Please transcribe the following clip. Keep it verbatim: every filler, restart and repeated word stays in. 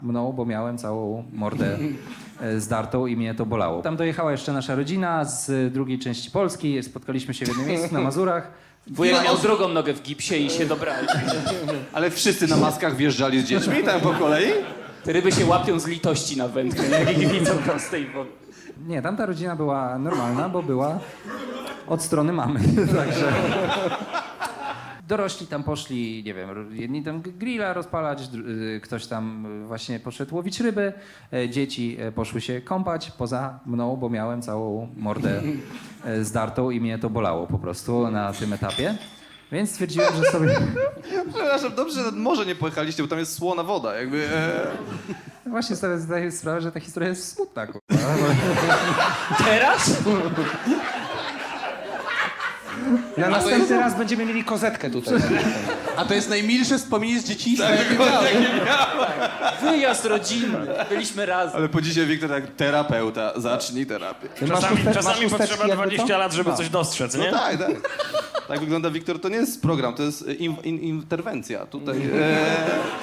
mną, bo miałem całą mordę e, zdartą i mnie to bolało. Tam dojechała jeszcze nasza rodzina z drugiej części Polski, spotkaliśmy się w jednym miejscu na Mazurach. Wujek miał drugą nogę w gipsie i się dobrali. Ale wszyscy na maskach wjeżdżali z dziećmi tam po kolei? Te ryby się łapią z litości na wędkę, nie? Jak ich widzą prostej wody. Nie, tamta rodzina była normalna, bo była od strony mamy, także... Dorośli tam poszli, nie wiem, jedni tam grilla rozpalać, dru- y, ktoś tam y, właśnie poszedł łowić ryby, e, dzieci e, poszły się kąpać poza mną, bo miałem całą mordę e, zdartą i mnie to bolało po prostu na tym etapie. Więc stwierdziłem, że sobie... Przepraszam, dobrze, że nad morze nie pojechaliście, bo tam jest słona woda, jakby... E... Właśnie sobie zdaję sprawę, że ta historia jest smutna, kurwa. Teraz? Na następny raz będziemy mieli kozetkę tutaj. A to jest najmilsze wspomnienie z dzieciństwa, Tak, jakie dokładnie. miałem. Wyjazd rodzinny. Byliśmy razem. Ale po dzisiaj Wiktor tak, terapeuta, zacznij terapię. Ty masz Czasami, chuste- masz czasami chusteczki potrzeba jakby dwadzieścia co? lat, żeby No. coś dostrzec, No nie? tak, tak. Tak wygląda Wiktor, to nie jest program, to jest in, in, interwencja. Tutaj... E...